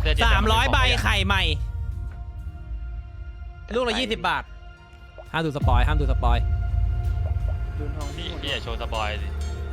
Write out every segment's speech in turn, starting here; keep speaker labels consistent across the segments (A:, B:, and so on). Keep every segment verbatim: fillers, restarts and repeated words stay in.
A: สามร้อยใบไข่ใหม่ลูกละยี่สิบบาทห้ามดูสปอยห้ามดูสปอย
B: พี่พี่อย่าโชว์สปอยดิ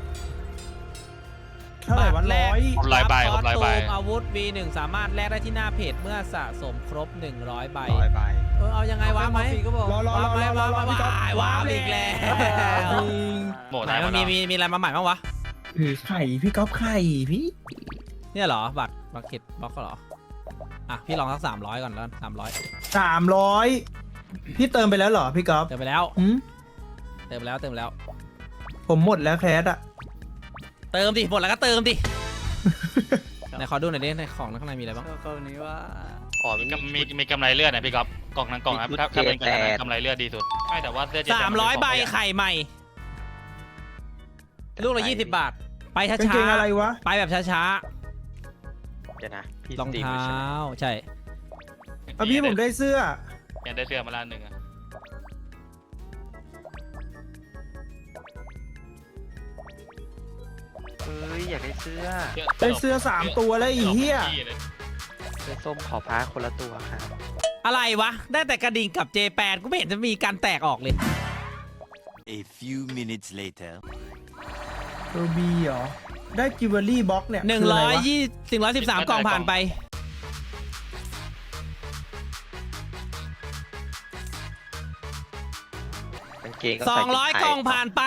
C: เท่าไหร่วันร้อย
B: ครบร้อยใบครบร้อยใบ
A: อาวุธ วี หนึ่ง สามารถแลกได้ที่หน้าเพจเมื่อสะสมครบหนึ่งร้อยใบ
D: ร้อยใบ
A: เออเอายังไงวะไหม
C: รอรอรอรอรอรอพี่ก๊อฟ
A: ว้าวว้าวอีกแล้ว
B: โหมด
A: ไหน
B: ไหน
A: มันมีมีมีอะไรมาใหม่บ้างวะ
C: ถือไข่พี่ก๊อฟไข่พี่
A: เนี่ยเหรอบัตรบัตรเก็ตบล็อกเหรออ่ะพี่ลองสักสามร้อยก่อนแล้วสามร้อย
C: สามร้อยพี่เติมไปแล้วเหรอพี่ก๊อฟ
A: เติมไปแล้ว
C: หืม
A: เติมไปแล้วเติมไปแล้ว
C: ผมหมดแล้วแคสอะ
A: เติมดิหมดแล้วก็เติมดิไหนขอดูหน่อยดิในของข้างในมีอะไรบ้าง
E: กรณีว่า
D: อ๋อ
B: มี
D: มี
B: กำมีมีกำไรเลือดนะพี่ก๊อฟกล่องนั้นกล่องนั้นถ้าถ้าเป็นกล่องนั้นกำไรเลือดดีสุดไม่แต่ว่าเลือด
A: สามร้อยใบไข่ใหม่ลูกละยี่สิบบาท ไปช้าก
C: างเกงอะไร
A: ๆ
C: วะ
A: ไปแบบช้า
D: เดี๋ยวนะพี่
A: ๆรอง
D: สตรีม
A: เท้
D: อยู่ใช่ไหมา
A: ใช่
C: เอาพี่ผมได้เสื้อ
B: ยังได้เสื้อมาล้านหนึ่งอะ
D: เฮ้ยอยากได้เสื้อ
C: ได้เสื้อสามตัวแล้วอีเหี้ย
D: เสื้อส้มขอพ้าคนละตัวครับ
A: อะไรวะ ได้แต่กระดิ่งกับเจแปนกูไม่เห็นจะมีการแตกออกเลย
F: A few minutes later.
C: โรบีเหรอได้จิวเวลรี่บ็อกเนี่ย
A: หนึ่ง
C: คืะ
A: ร้
C: ไวะ
A: อยยี่สิบร้อยสิบสามกล่องผ่านไป
D: กางเกงก็
A: สอ
D: ใส่
A: งร้อย
D: ชุดไท
A: กล่องผ่านไป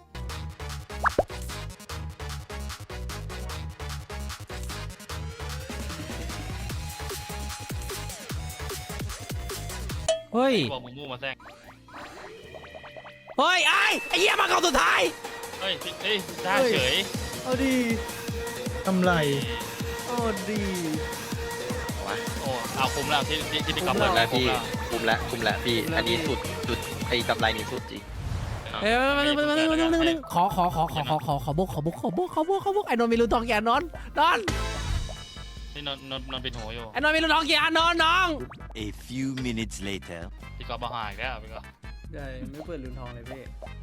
A: เฮ้ย
B: บอกมูมูมาแซง
A: เฮ้ยไอ้ไอ้เหี้ยมากล่องสุดท้าย
B: เฮ้ยเฮ้ยได้เฉย
E: เอาดี
C: กำไร
E: เอาดี
B: โอ้เอาคุ้มแล้วที่ที่ที่พี่ก๊อฟ
D: หม
B: เปิ
D: ด
B: ด
D: แล้ว
B: คุ้ม
D: พี่
B: แล้ว
D: คุมแล้วคุมแล้วพี่อันนี้สุดสุดไอ้กำไรนี่สุดจริง
A: เอ้ยมาหนึ่งมาหนึ่งมาหนึ่งมาหนึ่งมาหนึ่งขอขอขอขอขอขอขอบุกขอบุกขอบุกขอบุกขอบุกไอ้นนท์มีรูทองกี่อันนอนนอน
B: นี่นนนนนเป็นหัวอยู่
A: ไอ้นนท์มีรูทองกี่อันนอนน้อง
F: A few minutes later.
B: พี่ก๊อฟมาหาอีกแล้วพี่ก๊อฟ
E: ใช่ไม่เปิดลืมทองเลยพี่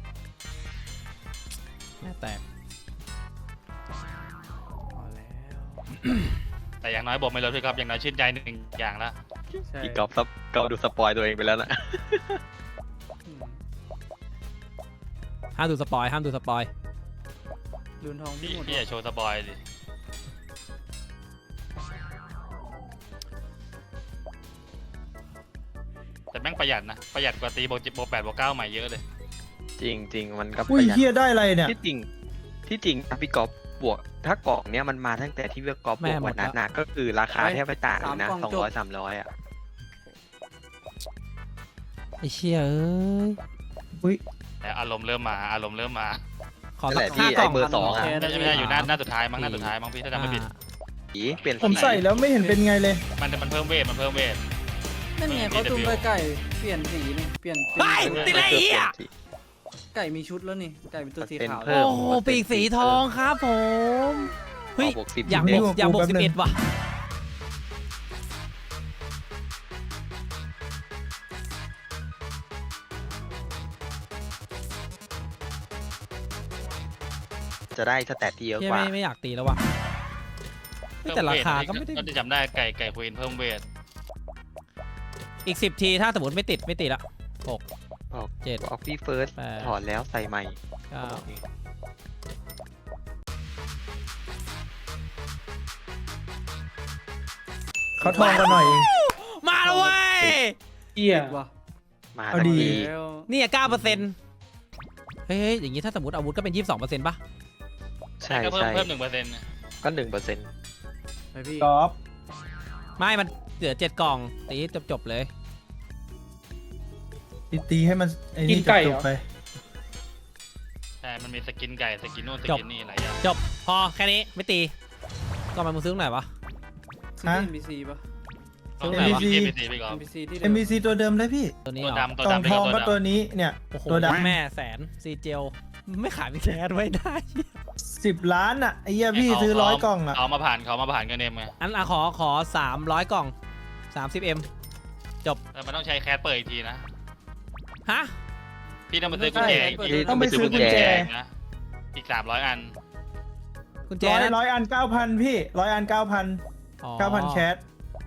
A: แม่แตก
E: พอแล้ว
B: แต่อย่างน้อยบอกไม่ลดพี่ก๊อฟอย่างน้อยชื่นใจหนึ่งอย่างละ
E: ใช่
D: พี่ก๊อฟซับก๊อฟดูสปอยตัวเองไปแล้วนะ
E: อืม
A: ห้ามดูสปอยห้ามดูสปอย
E: ลืมทอง
B: พี่
E: พี่หมด
B: พี่อย่าโชว์สปอยดิแต่แม่งประหยัดนะประหยัดกว่าตีโบจิโบแปดโบเก้าใหม่เยอะเลย
D: จริงจริงมันก็ป
C: อุ้ย
D: ระหยัด
C: เฮียได้อะไรเนี่ย
D: ที่จริงที่จริงพี่ก๊อฟบวกถ้ากล่องเนี้ยมันมาตั้งแต่ที่พี่ก๊อฟบวกวันนั้นนะก็คือราคาแทบไม่ต่างเลยนะสองร้อยสามร้อยอ่ะ
A: ไอ้เชี่ยเอ้ย
B: แต่อารมณ์เริ่มมาอารมณ์เริ่มมา
A: ขอ
D: นั่น
A: สั
D: แห
A: ก
D: ละ
A: ห้า
D: พี่
A: กล่อง
D: ไอ้เบอร์สองอ่ะ
B: ไม่ใช่ไม่ใช่อยู่หน้าหน้าสุดท้ายมั้งหน้าสุดท้ายมั้งพี่ถ้าจำไม่ผิด
D: อีเปลี่ยน
C: ผม
D: สี
C: ใส่แล้วไม่เห็นเป็นไงเลย
B: มันมันเพิ่มเวทมันเพิ่มเวท
E: นั่นไงเขาจุ่มไปไก่เปลี่ยนสีนี่เปลี่ยน
A: ไปติดไรเหี้ย
E: ไก่มีชุดแล้วนี่ไก่เป็นตัวสีขาว
A: โอ้โหปีกสีทองครับผมเฮ้ย
D: บวกสิบ
A: อยากบ
C: เด็
A: วกอยากบวก
C: แป๊บ
A: สิ
C: นึ
A: บ
C: ง
A: เอ็ดว่ะ
D: จะได้สแตทที่เยอะ
A: เฮีย
D: กว่า
A: ไม่ไม่อยากตีแล้วว่ะเฮ้ยแต่ราคาก็ไม่ได้
B: ก็จะจำได้ไก่ไก่ควีนเพิ่มเวท
A: อีกสิบทีถ้าสมมติไม่ติดไม่ติดละหก
D: ออก
A: เจ็ด
D: ออกพี่เฟิร์ส
A: แปด
D: ถอดแล้วใส่ใหม่
A: เก้า
C: เขาทองกันหน่อยเอง
A: มาแล้วเว้ย
C: เฮีย
E: ว่ะ
D: มา
C: เอา
D: ทัน
C: ดี
D: ที
E: แล้ว
A: นี่เก้าเปอร์เซ็นต์เฮ้ยเฮ้ยอย่างงี้ถ้าสมมติอาวุธก็เป็นยี่สิบสองเปอร์เซ็นต์ป่ะ
D: ใช่
B: ก็เพิ่ม
D: ใช่
B: เพิ่มหนึ่งเปอร์เซ็นต์
D: ก็หนึ่งเปอร์เซ็นต์
E: ไปพี่
C: ก๊อฟ
A: ไม่มันเหลือเจ็ดกล่องตีจบจบๆเลย
C: ตีตีให้มันไอ้นี่จบๆไป
B: ใช่มันมีสกินไก่สกินนู่นสกินนี่หลายอย่าง
A: จบพอแค่นี้ไม่ตีก็มามึงซื้อตรงไหนวะ
E: ซื้อที่ เอ็น บี ซี ป่ะ
B: ต้อง
C: เอ็
B: ไหน
C: ม
B: วะ
C: บีซี
B: เอ็มบีซีไปก่อน
E: เอ็ม บี ซี ที่
C: เอ็มบีซีตัวเดิมเลยพี่
A: ตัวนี้
B: ตัว
A: เหรอ
B: ดำตัว
C: กล่อง
B: ดำ
C: ทอง
B: ไป
C: ก็
B: ก่
C: ตั
B: อ
C: วน นี้เนี่ย
A: โอ้โห
C: ตัวดำ
A: แม่แสนซีเจลไม่ขายพี่แคสไว้ได้
C: สิบล้านอ่ะไอ้เหี้ยพี่ซื้อร้อยกล่องอ่ะ
B: เขามาผ่านเขามาผ่านกันเนมไง
A: อันอ่ะขอขอสามร้อยกล่องสามสิบเอ็ม
B: แต่มันต้องใช้แคสเปิดอีกทีนะ
A: ฮะ
B: พี่ต้องไปซื้อกุญแจอีกที
C: ต้องไปซื้อกุญแจ
B: นะอีกสามร้อยอัน
A: กุญแจ
C: ร้อย
A: นะ
C: ร้อยอันเก้าพันพี่ร้อยอันเก้าพัน
A: อ๋อ
C: เก้าพันแคส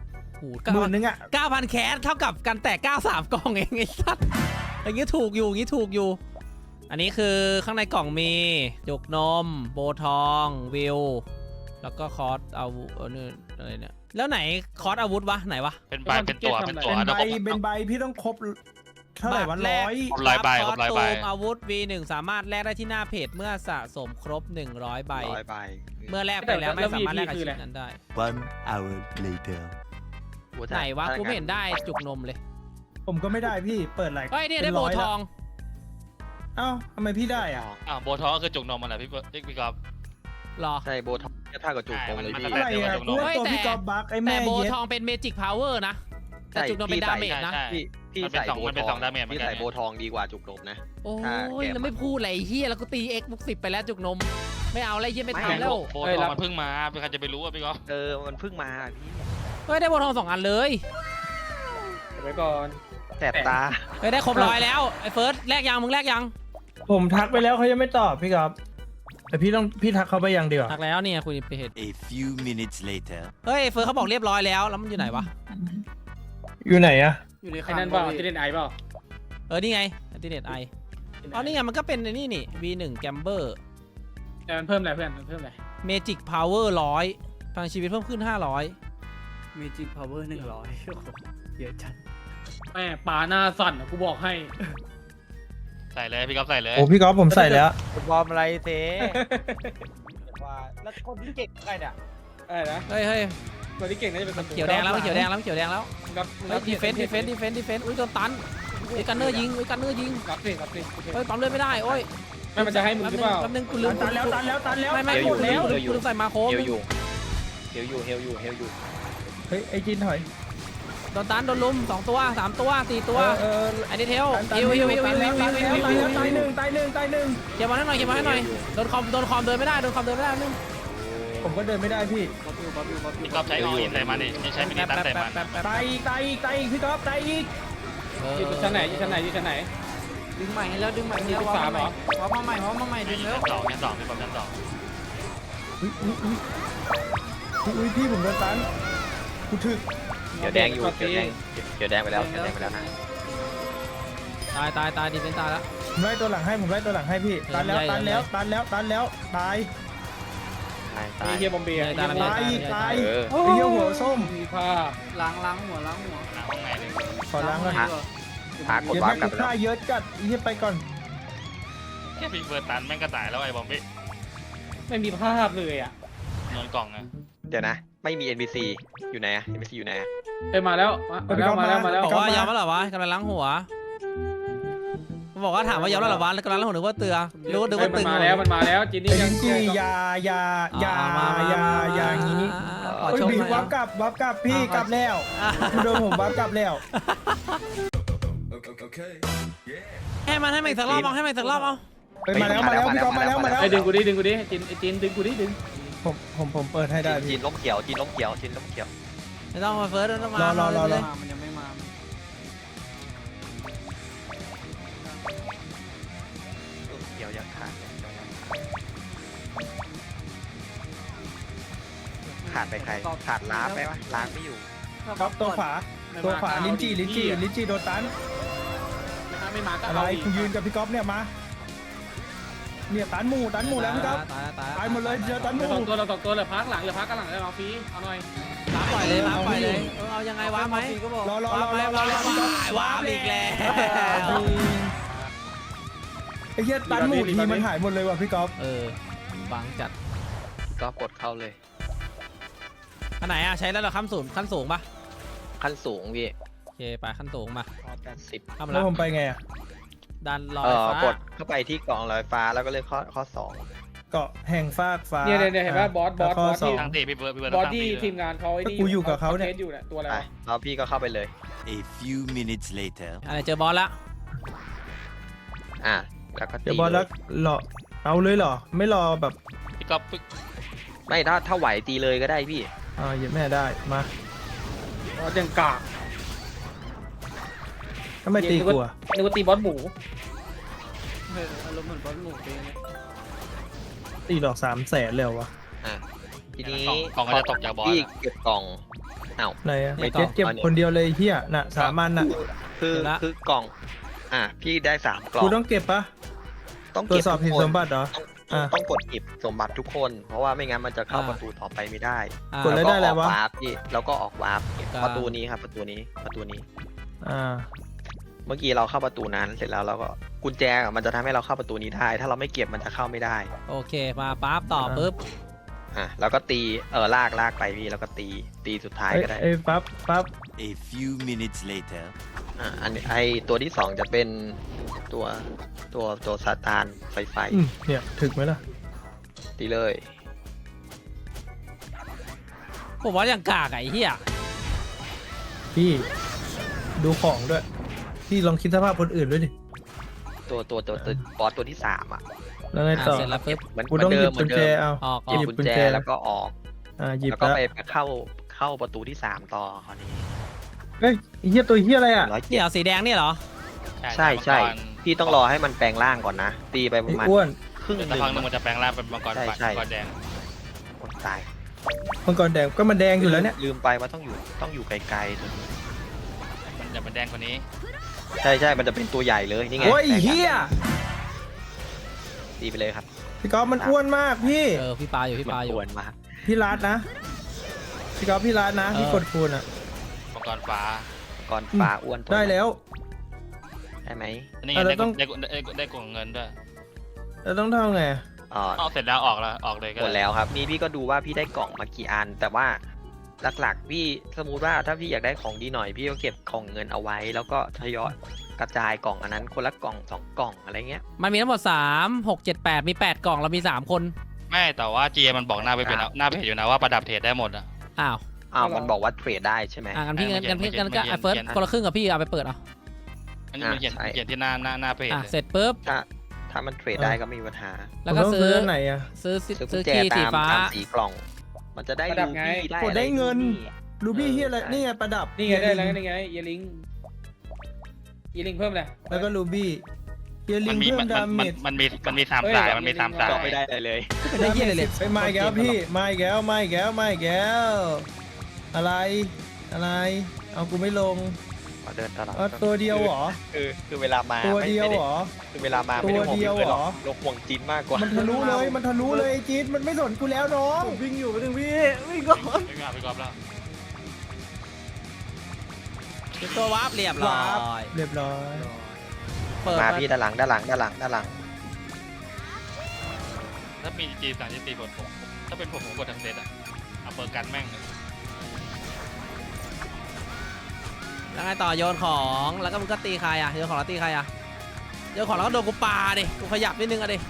C: หมื่นนึงอ่ะ
A: เก้าพันแคสเท่ากับกันแตกเก้าสามกล่องเองไอ้สัสอย่างงี้ถูกอยู่อย่างงี้ถูกอยู่ อันนี้คือข้างในกล่องมีจุกนมโบทองวิวแล้วก็คอร์สอาวุธเออนี่อะไรเนี่ยแล้วไหนคอร์สอาวุธวะไหนวะ
B: เป็นใบเป็นตัวเป็นตัว
C: เป็นใบ
B: ดี๋ยวผม
C: เป็นใบพี่ต้องครบเท่าไหร่วันร้อย
B: ครบร้อยใบ
A: ค
B: ค
A: อ
B: ร
A: ร์
B: บ
A: ส
B: ร้อย
A: ตู
B: ใบ
A: มอาวุธ วี หนึ่ง สามารถแลกได้ที่หน้าเพจเมื่อสะสมครบหนึ่งร้อยใบ
D: ร้อยใบ
A: เมื่อแลกไปแล้วไม่สามารถแลกกับชิ้นนั้นได้
F: One hour later.
A: ไหนวะกูไม่เห็นได้จุกนมเลย
C: ผมก็ไม่ได้พี่เปิดหลาย
A: เฮ้ยเนี่ยได้โบทอง
C: เอ้าทำไมพี่ได้อ่ะ
B: อ่าโบทองก็คือจุกนมมันแหละพี่พี่พี่กอล์ฟ
A: หรอ
D: ใช่โบท็อกเท่ากับจุกตรงเลย
B: มัน
D: พี่
B: มัน
C: อะไรอ่ะกูว่าตัวพี่กอล์ฟบักไอ้
A: แต่
C: แม่
A: โบ
C: เย็ด
A: ทองเป็นเมจิกพาวเวอร์นะ แต่จุกนมเป็นดาเมจนะ
B: ใช่
D: พี่พี่
B: มันเป็น
D: ใส่
B: สอง
D: โบ
B: มันเป็น
D: ท
B: ส
D: อ
B: อง งดาเมจ
D: พี่
B: เหมือนกัน
D: ใส่โบทองดีกว่าจุกนมนะ
A: โอ้
D: ถ้าแก
A: ย
D: ม
A: แล้วไม่พูดอะไรไอ้เฮียแล้วก็ตี x บุกสิบไปแล้วจุกนม ไม่เอาอะไรเฮียไม่
D: ไม่
A: ทำแล้ว
B: โบทองมันเพิ่งมาเป็นใครจะไปรู้อ่ะพี่กอล์ฟ
D: เออมันเพิ่งมาพี่
A: เฮ้ยได้โบทองสองอันเลย
E: ไว้ก่อน
D: แสบตา
A: เฮ้ยได้ครบร้อยแล้วไอ้เฟิร์สแลกยังมึงแลกยัง
C: ผมทักไปแล้วเขายังไม่ตอบพี่กอล์ฟแต่พี่ต้องพี่ทักเขาไปยังดีกว่า
A: ทักแล้วเนี่ยคุยไปเหตุ
F: A few minutes later.
A: เฮ้ยเฟิร์สเขาบอกเรียบร้อยแล้วแล้วมันอยู่ไหนวะ
C: อยู่ไหนอะ
E: อยู่ในไอ้นั่นเปล่าที่เล่นไอเปล่า
A: เออนี่ไงอันติเน็ตไออ๋อนี่ไงมันก็เป็นไอ้นี่นี่ วี หนึ่ง Gamber
E: แต่มันเพิ่มอะไรเพื่อนมันเพิ่มอะไร
A: Magic Power ร้อยพลังชีวิตเพิ่มขึ้นห้าร้อย
E: มีจิกพาวเวอร์หนึ่งร้อยเยอะจัดแม่ป่าหน้าสั่นอะกูบอกให้
B: ใส่เลยพี่กอล์ฟใส่เลย
C: โอ้พี่กอล์ฟผมใส่แล้ว
G: บอมอะไรเซ่ว่าแล้วคนที่เก่งใครเนี่ย
E: อะไรนะ
A: เฮ้ยเฮ้ย
E: ตัวที่เก่งน่าจะเป็น
A: เขียวแดงแล้วมันเขียวแดงแล้วมันเขียวแดงแล้ว
E: รับ
A: เฮ้ยดีเฟนส์ดีเฟนส์ดีเฟนส์ดีเฟนส์อุ้ยโดนตันไอ้กันเนอร์ยิงไอ้กันเนอร์ยิง
E: รับสิรับสิ
A: เฮ้ยปั๊มเลือดไม่ได้โอ้ย
E: ไม่มันจะให้มึงหรือเปล่า
A: แป๊บนึงกูลืม
C: ตันแล้วตันแล้วตันแล้ว
A: ไม่ไม่
D: เฮล
A: กู
D: อยู่
A: ลืม
D: เฮลอยู่
A: กูลืมใส่มาโค้ง
D: เฮลอยู่เฮลอยู่เฮลอยู่เฮลอยู่
C: เฮ้ยไอ้จินถอย
A: โดนตันโดนลุมสองตัวสามตัวสี่ตัว
C: เออ
A: ไอ้ดีเทล
C: ตัน
A: ฮิวฮิวฮิว
C: ตั
A: ฮิ
C: น
A: ว
C: แล้ว
A: ฮิ
C: ตั
A: วน ฮิ
C: แล้ว
A: วฮิว
C: ตาย
A: ฮิว
C: แล้วตายหนึ่งตายหนึ่งตายหนึ่ง
A: เก็บมาให้หน่อยเก็บมาให้หน่อยโดนคอมโดนคอมเดินไม่ได้โดนคอมเดินไม่ได้นึง
C: ผมก็เดินไม่ได้พี่
B: พี่กอล์ฟใช้ออินใส่มันดินี่ใช้มินิตันใส่มัน
A: แป๊บแป๊บ
C: ตายอีกตายอีกตายอีกพี่กอล์ฟตายอีก
A: เออ
E: อยู่ชั้นไหนอยู่ชั้นไหนอยู่ชั้นไหน
H: ดึงใหม่ให้แล้วดึงใหม่ให้แล้ว
E: สิบสามเหรอ
H: วามาใหม่วามาใหม่ดึงแล้ว
B: ชั้นสองชั้นสองพี่กอล์ฟชั้นสอง
C: อุ้ยอุ้ยอุ้ยอุ้ยพี่ผมโดนตันกูถึก
D: เขียวแดงอยู่เขียวแดงเขียวแดงไปแล้วเขียวแดงไปแล้วนะ
A: ตายตายตายดีเป็นตายแล้ว
C: ผมไล่ตัวหลังให้ผมไล่ตัวหลังให้พี่ตันแล้วตันแล้วตันแล้วตันแล้วตาย
D: ตายตา
E: มี
D: ย
E: เฮียบอมเบีย
A: ตาย
C: ตายอีกตาย
D: เออ
C: ไอ้เหี้ยหัวส้ม
E: มีภาพ
H: ล้างล้างหัวล้างหัว
B: หน้าห้องไหนเลย
C: ขอล้างก่อน
D: หาหากด
C: เดี๋ยว
D: วา
C: แม่
D: ร์ปกลับ
C: กู
D: ไปแล้
C: ฆ่าว เยอะจัดไอ้เหี้ยไปก่อน
B: แค่พี่เฟิร์สตันแม่งก็ตายแล้วไอ้บอมบี้
E: ไม่มีภาพเลยอ่ะ
B: นอนกล่องไง
D: เดี๋ยวนะ ไม่มี เอ็น พี ซี อยู่ไหนอะ เอ็น พี ซี อยู่ไหนอะ
E: เอ้ยมาแล้วมาแล้วมาแล้วมาแล้ว
A: บอกว่ายอมแล้วเหรอวะกำลังล้างหัวบอกว่าถามว่ายอมแล้วเหรอวะแล้วกำลังล้างหัวนึกว่าเตือรู้นึก
E: เอ้ย
A: ว่า
E: มั
A: ตึ
E: น
A: ง
E: มาแล้วมันมาแล้วจินนี่
C: ไอ้
E: ยั
C: ลิ้
E: ง
C: นจี่อยาอยาอยาอยาอยาอย่างนี้
A: ขอ
C: โอ้ย
A: ชม
C: บี
A: หน่อย
C: วับกลับวับกลับพี่กลับแล้วกูโดนผมวับกลับแล้ว
A: ให้มันให้มันอีกสักรอบเอาให้มันอีกสักรอบเอา
C: ไปมาแล้วมาแล้วพี่กอล์ฟมาแล้วมาแล้ว
E: ไอ้ดึงกูดิดึงกูดิจินไอ้จินดึงกูดิดึง
C: ผมผมผมเปิดให้ได้
D: จี
C: พี่
D: นล้มเขียวจีนล้มเขียวจีนล้มเขียว
A: ไม่ต้องมาเฟิร์สต้องมาร
C: อรอรอรอ
H: มามันยังไม่มา
D: ล้มเขียวยังขาดขาดไปใครขาดล้าไปปะล้างไม่อยู่
C: ครับตัวขวาตัวขวาลิ้นจี่ลิ้นจี่ลิ้นจี่โดนตัน
E: ไม่มาก็
C: อะไร
E: เอาอีก
C: กูยืนกับพี่ก๊อฟเนี่ยมาเนี่ยตันหมูตันหมูแล้วพี่ก๊อฟ
A: ตายตาย
C: ตายหมดเลยเจอตันห
E: เหลื
C: มู
E: อสองตัวเหลือสองตัวเหลือพักหลังเหลือพักกันหลังเลยเอาฟรีเอาหน่อย
A: ล้างปล่อยเลยล้างปล่อยเลยเอายังไงวะไหม
H: ก็บอก
C: รอรอ
A: ว้าร
C: อ
A: ไหม
C: รอร
A: ว้า
C: อ
A: ไหม
C: พี่ก๊อฟ
A: ว้าอีกแล้ว
C: ไอ้เหี้ยตันหมูทีมันหายหมดเลยว่ะพี่ก๊อฟ
A: เออบังจัด
D: ก็กดเข้าเลย
A: อันไหนอะใช้แล้วเหรอขั้นสูงขั้นสูงปะ
D: ขั้นสูงพี่
A: โอเคไปขั้นสูงมา
D: แปดสิบ
A: ทำ
C: แล้
A: แล้ว ว
C: ผมไปไงอ่ะ
A: ดันลอ
D: เอย อ
A: ฟ้าก
D: ดเข้าไปที่กล่องลอยฟ้าแล้วก็เลือกข้อข้อสอง
C: เกาะแห่งฟากฟ้า
E: เนี่ยเนี่ยเนี่ยเห็นป่ะบอสบอส
C: แล้วข้
E: บอส
C: ส
E: ที่
C: ง
B: ตั้งตีพี่เฟิร์สพี่เฟิร์ส
E: บอส
B: ตั้ง
E: ที่
B: ตี
E: ทีมงานเขาไอ้นี่
C: กูอยู่กับเขาเนี่ย
E: ทสอยู่เนี่ยตัวอะไร
D: ไป
E: วะ
D: แล้วพี่ก็เข้าไปเลย
F: A few minutes later.
A: อะไรเจอบอสละ
D: อ่ะแล้วก็ตี
C: เดี๋ยวบอลแล้วรอเอาเลยเหรอ ไม่รอแบบ
B: พี่กอล์ฟปึ๊ก
D: ไม่ถ้าถ้าไหวตีเลยก็ได้พี่
C: อ่าเหยียบแม่ได้มา
E: บอสยังกาก
C: ทำไมตีกลัว
E: นึกว่าตีบอสหมู
H: เอออารมณ์เหมือนบอลหมูไปเลย
C: ตีดอกสามแสนเลยเหรอวะ
D: อ่ะทีนี้
B: กล่องกล่องก็จะตกจากบอส
D: พี่
B: อะ
D: เก็บกล่องเอ้า
C: ไหนอะ
A: ไม่
C: เจ็ดเก็บคนเดียวเลยเฮียน่ะสามันน่ะ
D: คือ
A: เดี๋ยวละ
D: คือกล่อง อ่ะพี่ได้สามกล่อง
C: กูต้องเก็บปะ
D: ต้อง
C: ตรว
D: เก็
C: จ
D: บ
C: สอบ
D: ทุ
C: ผิ
D: ก
C: ด
D: คน
C: สมบัติเหรอ
D: ต้อง
C: อ่ะ
D: ต้องกดหยิบสมบัติทุกคน เพราะว่าไม่งั้นมันจะเข้า
A: อ่า
D: ประตูต่อไปไม่ได้
A: อ่า
C: กดเลยได้อะไร
D: ออก
C: วะ
D: วาร์ปพี่แล้วก็ออกวาร์ป
A: ครับ
D: ประตูนี้ครับประตูนี้ประตูนี้
C: อ่า
D: เมื่อกี้เราเข้าประตูนั้นเสร็จแล้วเราก็กุญแจอะมันจะทำให้เราเข้าประตูนี้ได้ ถ้าเราไม่เก็บมันจะเข้าไม่ได้
A: โอเคมาปั๊บต่อปุ๊บ
D: อ่ะแล้วก็ตีเออลากลากไปพี่แล้วก็ตีตีสุดท้าย
C: เอ้ย
D: ก็ได้
C: เอ้ยปั๊บปั๊บ
F: A few minutes later.
D: อ่ะอันนี้ไอตัวที่สองจะเป็นตัวตัวตัวซาตานไฟไฟ
C: อืมเนี่ยถึกไหมล่ะ
D: ตีเลย
A: ผมว่าอย่างกากอะไอ้เหี้ย
C: พี่ดูของด้วย พี่ลองคิดสภาพคนอื่นด้วยดิ
D: ตัวตัวตัวตัวบอสตัวที่สามอ่ะ
C: แล้วไง
A: อ่า
C: ต่อ
A: เสร็จแล้วปุ๊บ
D: เหมือน
C: กูต้องหยิบ
D: เหมื
C: กุ
D: อน
C: ญแจ
D: เดิม
C: เอา
A: ออกอ
D: ห
A: อ
D: ยิ
A: ก
D: บ
C: กุ
D: กุ
C: ญ
D: ญ
C: แจ
D: แจแล้วก็ออก
C: อ่าหยิบ
D: แล้วก็
C: แล้ว
D: ไปไปเข้าเข้าประตูที่สามต่อคราวนี้
C: เฮ้ยไอ้เฮียตัวเฮียอะไรอ่ะ
D: ร้อย
A: เดี๋
D: เจ็ด
A: ยวสีแดงนี่เหรอ
D: ใช่ใช่
B: มังกร
D: พี่ต้องรอให้มันแปลงร่างก่อนนะ ตีไปป
C: ไอ้
D: ระมาณ
C: อ้วน
D: ครึ่งห
B: เดี๋ยว
D: นึ่
B: สัก
D: ง
B: พักหนึงมันจะแปลงร่างเป็นมังกร
D: ใช่
B: ปัด
D: ใช่
B: มังกรแดง
D: คนตาย
C: มังกรแดงก็มันแดงอยู่แล้วเนี่ย
D: ลืมไปว่าต้องอยู่ต้องอยู่ไกลๆตัวนี้
B: มันจะเป็นแดงกว่านี้
D: ใช่ใช่มันจะเป็นตัวใหญ่เลยนี่ไง
C: โอ้ย
D: แปลงร่าง
C: เฮีย
D: ตีไปเลยครับ
C: พี่ก๊อฟมันอ้วนมากพี่
A: เออพี่ปาอยู่พี่ปา
D: มัน
A: อยู่
D: อ้วนมาก
C: พี่รัดนะ พี่ก๊อฟพี่รัดนะ
A: เออ
C: พี่กดคูณอ่ะ
B: มังกรฟ้า
D: ก่อนปลาอ้วนตัว
C: ได้แล้ว
D: ได้ไหม
B: อันนี่
C: อ่ะ
B: ได้
C: เราต้อง
B: ได้ได้ได้กล่องเงินด้วย
C: แล้วต้องทำไง
D: อ๋อ
B: ออกเสร็จแล้วออกแล้วออกเลยก็
D: หมดแล้วครับนี่พี่ก็ดูว่าพี่ได้กล่องมากี่อัน แต่ว่าหลักๆพี่สมมติว่าถ้าพี่อยากได้ของดีหน่อย พี่ก็เก็บกล่องเงินเอาไว้ แล้วก็ทยอยกระจายกล่องอันนั้นคนละกล่องสองกล่องอะไรเงี้ย
A: มันมีทั้งหมดสามหกเจ็ดแปดมีแปดกล่องเรามีสามคน
B: ไม่แต่ว่าเจมันบอกหน้าไปเป็น
D: ครับ
B: หน้าเพจอยู่นะว่าประดับเทรดได้หมดอ่ะ
A: อ้าว
D: อ้าวมันบอกว่าเทรดได้ใช่ไหม
A: อ่ะงั้นพี่
B: เออ
A: งั้นงั้นพี่
B: เขียน
A: งั้นก็
B: เขียน
A: ไอ้เฟิร์ส
B: เขียน
A: คนละครึ่งกับพี่เอาไปเปิดเอา
B: อันนี้มันเขียน
D: อ่ะใช่
B: เขียนที่หน้าหน้าหน้าเพจ
A: อ่ะ
B: เลย
A: เสร็จปุ๊บ
D: ถ้าถ้ามันเทรดได้ก็ไม่มีปัญหา
A: แล้วก็
C: ผมต้ง
A: ซื้อ
C: อันไหนอ่ะ
A: ซื้อซื้อ
D: ซื้อกุ
A: ซื้
D: ญ
A: อ
D: แจ
A: คีย์สี
D: ตาม
A: ฟ้า
D: ตามสีกล่อง มันจะได้
E: ประดั
D: รู
E: บไง
D: บี้ได้
C: กดได้เงิน
D: อะไร
C: รูบี้เฮียอะไร
D: ใช่
C: นี่ไงประดับ
E: นี่ไงได้แล้วนี่ไงเยลิงเยลิงเพิ่มเลย
C: แล้วก็รูบี้เฮียลิ
B: มัน
C: ง
B: มี
C: เพิ่
B: มั
C: ม
B: น
C: ดา
B: มัน
C: เม
B: มัน
C: จ
B: มันมีมันมีสาม
E: เฮ้ย
B: สาย
E: แบบ
B: มันมี
E: นี้
B: สาม
E: ลิง
B: สาย
D: ก็ไม่ได้อะไรเลย
A: ไม่ได้เหี้ยอะไรเลย
C: ไปมาอีกแล้วพี่มาอีกแล้วมาอีกแล้วมาอีกแล้วอะไรอะไร เอากูไม่ลง
D: ขอเดินตลอด
C: เอาตัวเดียวเหรอ
D: คือคือเวลามา
C: ตัว
D: ไม่
C: เดียว
D: ไม่
C: เหร
D: ไ
C: อ
D: คือเวลามาไม่ได้ห่วง
C: ตัวเดียว
D: พี่เลยหรอก
C: เหรอ
D: เราห่วงจินมากกว่า
C: มันทะลุเลยมันทะลุเลยไอ้จี๊ดมันไม่สนกูแล้วน้อง
H: วิ่งอยู่ไปถึงพี่วิ่งก่อน
B: ไม่งานไปกอบแล้ว
A: เป็นตัววาร์ปเรียบร้อย
C: เรียบร้อย
A: เปิด
D: มา
A: มา
D: พี่ด้านหลังด้านหลังด้านหลังด้านหลัง
B: ถ้ามีจีสามจีตีบทผมถ้าเป็นผมผมกดทั้งเซตอ่ะเอาเปิดกันแม่งเลย
A: แล้วไงต่อโยนของแล้วก็มึงก็ตีใครอ่ะโยนของแล้วตีใครอ่ะโยนของแล้วก็โดนกูปาดิกูขยับนิดนึงอ่ะดิ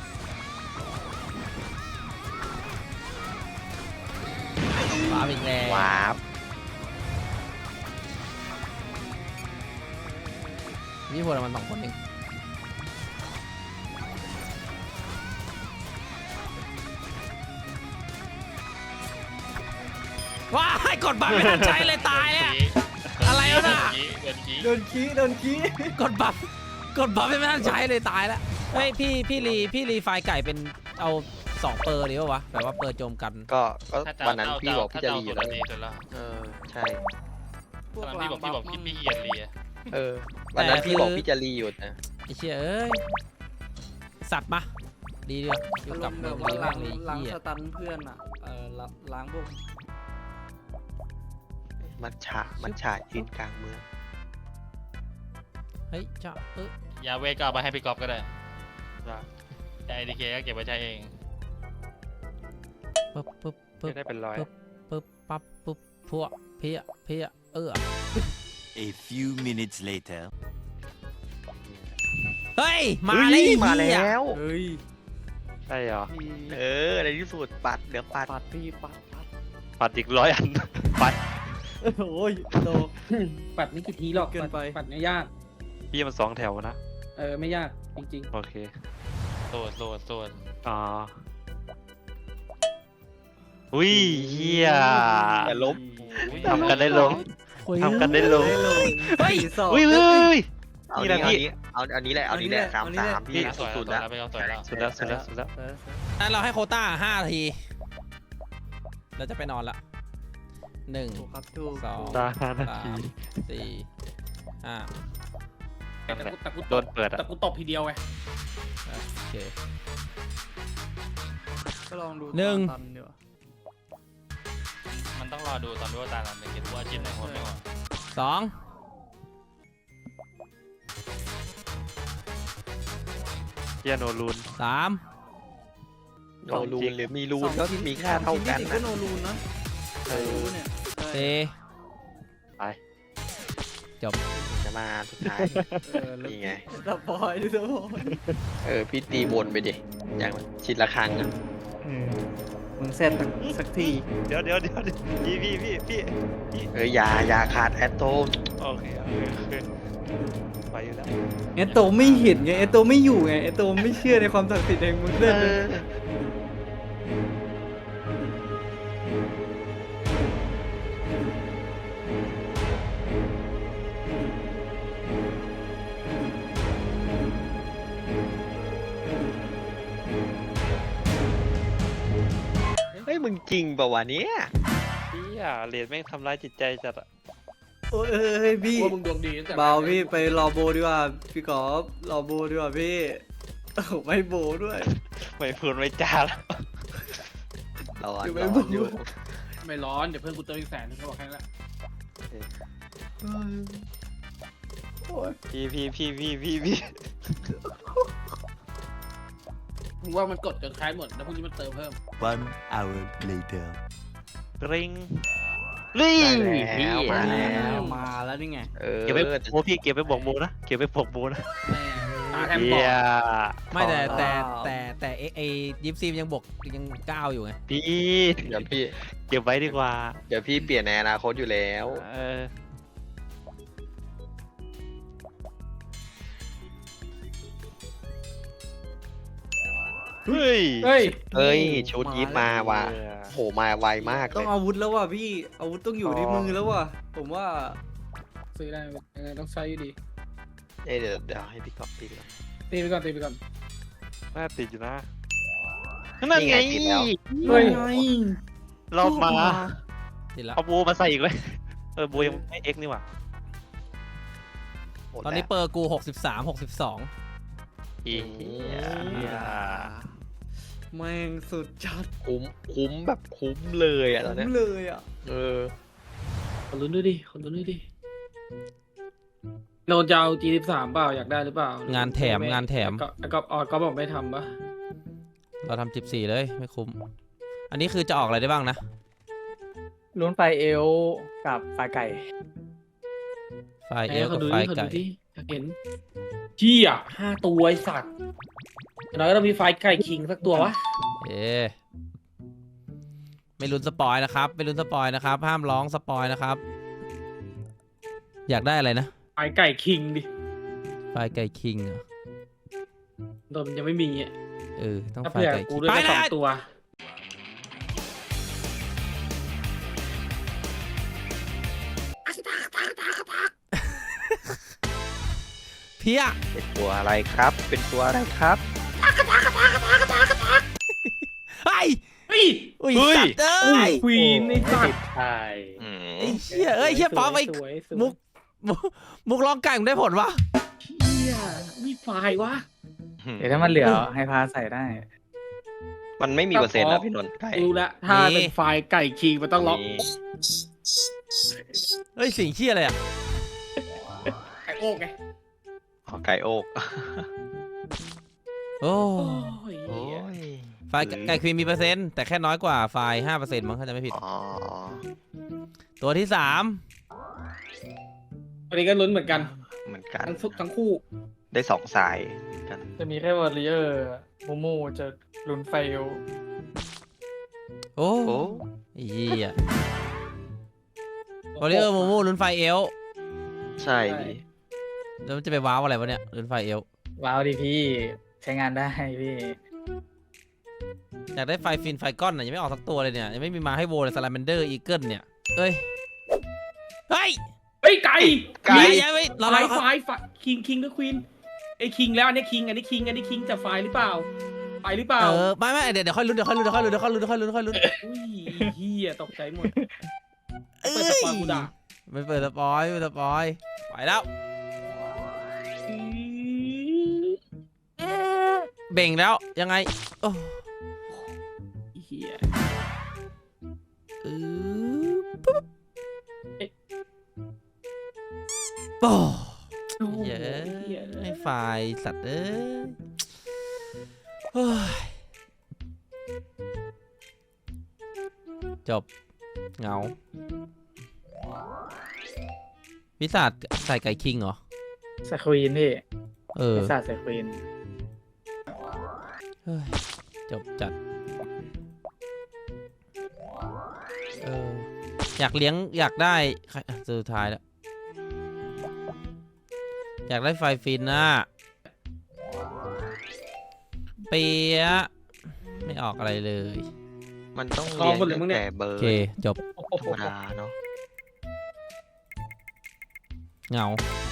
A: ปาอีกแล้ว
D: วาร์ป
A: พี่พูดมันสองคนเองว้ายกดบัฟไม่ทันใช้เลยตายอ่ะ อะไรวะน่ะ
B: เดินขี้
H: เดินขี้เดินขี้
A: กดบัฟกดบัฟไม่ทันใช้เลยตายแล้วเฮ้ยพี่พี่รีพี่รีไฟล์ไก่เป็นเอาสองเปอร์ดีป่าวะแบบว่าเปอร์โจมกัน
D: ก็ก็
B: ถ้าจะ
D: วันนั้น
B: เอา
D: พี่บอกพี่จะ
B: ถ้า
D: รีอยู่
B: สุด
D: แล้ว
B: ดีสุดแล้ว
D: เออใช่
H: พวก
B: ตอน
H: หลั
B: พี่
H: ง
B: บอกพี่บอก
H: บั
B: พี่
H: ฟ
B: พี่เกียนรีอะ
D: เออวันนั้น
A: แต่
D: พี่บอก
A: คือ
D: พี่จะรีอยู่นะ
A: ไอ้เชี่ยเอ้ยสัตว์มาดีเดียวอยู่
H: อา
A: กั
H: ร
A: บ
H: มณ์
A: เมื
H: แบ
A: อง
H: บว่า
A: ดี
H: ล้าม
A: าง กเลย
H: ล้าง
A: เหี้ย
H: สตันเพื่อนอ่ะเออล้างล้างพวก
D: มัดฉามัดฉายืนกลางเมือง
A: เฮ้ยจ้าเออย
B: าเวทก็เอาไปให้พี่กอฟก็ได้แต่ไอดีเคก็เก็บไว้ใช้เอง
A: ปึ๊บปึ๊บปึ๊บ
D: ได้เป็นร้อย
A: ปึ๊บปั๊บปึ๊บพัวเพียเพียเออ
F: A few minutes later.
A: เฮ้ยมา
D: เฮ้
A: เลย
D: ยมา
A: เหี้ย
D: แล้ว
H: เฮ้ย
D: ใช่เหรอเออในที่สุดปัดเหลือปัด
H: ปัดพี่ปัดปัด
D: ปัดอีกร้อยอันปัด
H: โอ้ยโต
E: ปัดไม่กี่ทีหรอก
H: เกินไป
E: ปัดปัดไม่ยาก
D: พี่มันสองแถวนะ
E: เออไม่ยากจริง
D: โอเค
B: โสดโสดโสด
D: อ๋ออุ้ยเฮียแต่ล้ม ทำกันได้ลง ทำกันได้ลง
A: เฮ้ย
H: สอง
D: อุ้ยอุ้ยอุ้ย
G: เอา
D: นี่แหละ
G: นี้
D: พี่
G: เอาเอาอันนี้แหละเอาอันนี้แหละสามสามพี่
B: สวย
G: สุด
B: แล้
G: แล้ว ว
B: ไปเอาสวยแล้ว
D: สุดแล้วสุดแล้วสุดแล้ว
H: เออ
A: งั้นเราให้โควต้าห้านาทีเราจะไปนอนละหนึ่ง
H: ถูกครับถูก
A: สอง
I: ตาห้านา
A: สา
I: ที
A: มสี่ห้า
E: แต่กูแต่กู
I: โด
E: ตบ
I: นเปิดอะ
E: แต่กูตบทีเดียวไง
A: โอเค
H: ก็ลองดู
A: หนึ่ง
H: ตันดีกว่า
B: มันต้องรอดูตอนดูว่าตาเราเป็นเก็บว่าจิ้มในคนไม่หมด
A: สอง
I: เฮียโนรูน
A: สาม
D: โนรูนหรือมีรูนก็มีค่าเท่ากัน
H: สองชิ้
D: นะ
H: ก็โนรูนนะเออเนี่ยใช่
A: สี่
I: ไป
A: จบ
D: จะมาสุดท้าย
H: เออแล้ว
D: นี่ไง
H: สปอยดิสปอย
D: เออพี่ตีวนไปดิอย่างชิดละครั้งอะ
H: มึงเสร็จสักที
I: เดี๋ยวเดี๋ยวเดี๋ยวพี่พี่พี่พี่พี่
D: เอออย่าอย่าขาดแอตโต
I: โอเคโอเคโอเคไปอยู่แล้ว
H: เอโตไม่เห็นไงเอโตไม่อยู่ไงเอโตไม่เชื่อในความศักดิ์สิทธิ์แห่งมึง
D: เอ
H: เล่นเลย
D: อเฮ้ยมึงจริงเปล่าวะเนี้ย
I: พี่อ่ะเหรียญแม่งทำร้ายจิตใจจัดอะ
H: โอ้ยเอ้ยพี่
E: ว่ามึงดวงดีตั้งแต่
H: เบาพี่ไปรอโบดีกว่าพี่กอล์ฟรอโบดีกว่าพี่โอ้โหไม่โบด้วย
I: ไม่พูดไม่จาแล้ว
D: ร้อน
H: อยู่ไม่
D: ร้อ
H: บู
D: นอยู่
E: ไม่ร้อนเดี๋ยวเพื่อนกูเติมอีกแสนนึงเขาบอกแค่นั้นแหละ
I: พี่พี่พี่พี่พี่พี่
E: มึงว่ามันกดจนคล้ายหมดแล้วพรุ่งนี้มันเติมเพิ่ม
F: One hour later.
I: ริงริง
D: ได้แล้วมา
H: มา
D: แล้
H: แล้ว วมาแล้วนี่ไง
D: เออ
I: เก็บไปโมพี่เก็บไปบอกโมนะเก็บไปบอกโมนะ
E: ตาแทบ
I: เฮี
E: บอด
I: ย
A: ไม่แต่
H: ขอ
A: แต่
H: ลา
A: แต่แต่เอไอยิปซียังบวกยังเก้าอยู่ไง
I: พี่
D: เดี๋ยวพี่
I: เก็บไว้ดีกว่า
D: เดี๋ยวพี่เปลี่ยนในอนาคตอยู่แล้ว
I: เออเฮ้ย
E: เฮ้ย
D: เอ้ยชุดยิปมาว่ะ
I: เออ
D: โหมาไวมากเล
H: ต้อง
D: ย
H: อาวุธแล้วว่ะพี่อาวุธต้องอยู่ที่มือแล้วว่ะผมว่า
E: ซื้อได้ยังไงต้องใช้อยู่ดี
D: เอ้ยเดี๋ยวเดี๋ยวให้พี่ก๊อฟตีก่อน
E: ตีไปก่อนตีไปก่อน
I: น่าติดอยู่นะ
D: นั่นไงติดแล้ว
E: เฮ้ย
H: ไง
I: รอบมา
A: ติดละ
I: เอาบูมาใส่อีกเลยเออบูยังไม่เอ็กนี่หว่า
D: หมด
A: ตอนนี้
D: แล้ว
A: เปอร์กูหกสิบสามหกสิบสอง
I: อีเหี้ย
H: แม่งสุดจัด
D: คุ้มคุ้มแบบคุ้มเลยอ่ะตอน
H: คุ้
D: เนี้
H: ม
D: ย
H: เลยอ่ะ
D: เออ
E: ขอลุ้นด้วยดิขอลุ้นด้วยดิโนนจะเอา จี สิบสาม เปล่าอยากได้หรือเปล่าง
A: านแถมงานแถม
E: ก็ก็ออดก็บอกไม่ทำปะ
A: เราทำจิบสี่เลยไม่คุ้ม อันนี้คือจะออกอะไรได้บ้างนะ
G: ลุ้นไฟเอลกับไฟไก่
A: ไฟเอลกับ
E: ดู
A: ไฟ
E: ดิขอ
A: ไก่
E: ดูดิอยากเห็นเชี่ยห้าตัวไอสัตว์อย่างน้อยก็ต้องมีไฟไก่คิงสักตัววะ
A: เอ๊ะไม่ลุ้นสปอยนะครับ ไม่ลุ้นสปอยนะครับ ห้ามร้องสปอยนะครับ อยากได้อะไรนะ
E: ไฟไก่คิงดิ
A: ไฟไก่คิงเหรอ
E: โดนมันยังไม่มีอ่ะ
A: เออ ต้อง
E: ถ้า
A: ไฟ
E: เผื่อ
A: ไก่
E: กู
A: คิง
E: ด้วย
A: ไป
E: ก็สอง
A: นะ
E: ตัว
A: เพี้ย
D: เป็นตัวอะไรครับ เป็นตัวอะไรครับ
A: ไอ้ย
E: เฮ้ย
A: อุ้ย
I: เฮ้ย
A: สัตว์เอ้ย
E: ควีนไอสัตว์
G: ใช่
D: อืม
A: ไอ้เชี่ยเอ้ยเชี่ยป๊อปไอ้
E: สวยสวย
A: มุกมุกมุกร้องไก่มึงได้ผลวะ
E: เชี่ยมีไฟวะ
G: เดี๋ยวถ้ามันเหลือให้พาใส่ได้
D: มันไม่มีเปอร์เซ็นต์แล้วพี่นนท์ไก่
E: รู้แล้วถ้าเป็นไฟไก่คิงมันต้องล็อก
D: นี่
A: เฮ้ยสิ่งเชี่ยอะไรอ่ะ
E: ไก่โอกไง
D: อ๋อไก่โอก
A: โอ้
E: โอ้ย
D: โอ้ย
A: ไฟไก่ไก่ควีนมีเปอร์เซ็นต์แต่แค่น้อยกว่าไฟห้าเปอร์เซ็นต์มั้งถ้าจะไม่ผิด
D: อ๋อ
A: ตัวที่สาม
E: วันนี้ก็ลุ้นเหมือนกัน
D: เหมือนกัน
E: ทั้งทุกทั้งคู่
D: ได้สองสายกัน
G: จะมีแค่วอริเออร์โมโมจะลุ้นไฟเอล
A: โอ้
D: โอ้
A: เหี้ยวอริเออร์โมโมลุ้นไฟเอล
D: ใช่ดิ
A: แล้วมันจะไปว้าวอะไรวะเนี่ยลุ้นไฟเอล
G: ว้าวดิพี่ใช้งานได้พี่
A: อยากได้ไฟฟินไฟก้อนน่ะยังไม่ออกสักตัวเลยเนี่ยยังไม่มีมาให้โวเลยซาลาแมนเดอร์อีเกิลเนี่ยเอ้ยเฮ้ย
E: เฮ้ยไก่
D: ไก่
A: อย่าไปเรา
E: ไฟ
A: เรา
E: ไฟไฟคิงคิงหรือควีนไอ้คิงแล้วอันนี้คิงอันนี้คิงอันนี้คิงจะไฟหรือเปล่าไปหรือเปล่า
A: เออไม่ไม่เดี๋ยวเดี๋ยวค่อยลุ้นเดี๋ยวค่อยลุ้นเดี๋ยวค่อยลุ้นเดี๋ยวค่อยลุ้นเดี๋ยวค่อยลุ้นเดี๋ยวค่อยลุ้น
E: อุ้ยเฮียตกใจหมด
A: เอ้
E: เปิดสปอยล์กูด่า
A: ไม่เปิดสปอยไม่เปิดสปอยไปแล้วเบ่งแล้วยังไงโอ้
E: เฮีย
A: เออปุ๊บโอ้
E: โอ้โห
A: เย้
E: เหี้ย
A: ไม่ไฟสัตว์เอ้ยเฮ้ยจบเหงาวิสัทใส่ไก่คิงเหรอ
E: สควีนพี่
A: เออ
E: ไอ้สัตว์สควีน
A: เฮ้ยจบจัดเอออยากเลี้ยงอยากได้ใครอ่ะสุดท้ายแล้วอยากได้ไฟฟินน่ะเปียะไม่ออกอะไรเลย
D: มันต้อง
E: ลองหมดเลย
D: เรีย
E: มึ
D: ง
E: ง
D: ตั้
E: เนี่
D: ง
E: ย
D: แต่เบอ
A: โอ
D: ร์
A: เคจบ
D: ธรรมดาเนาะ
A: เหงา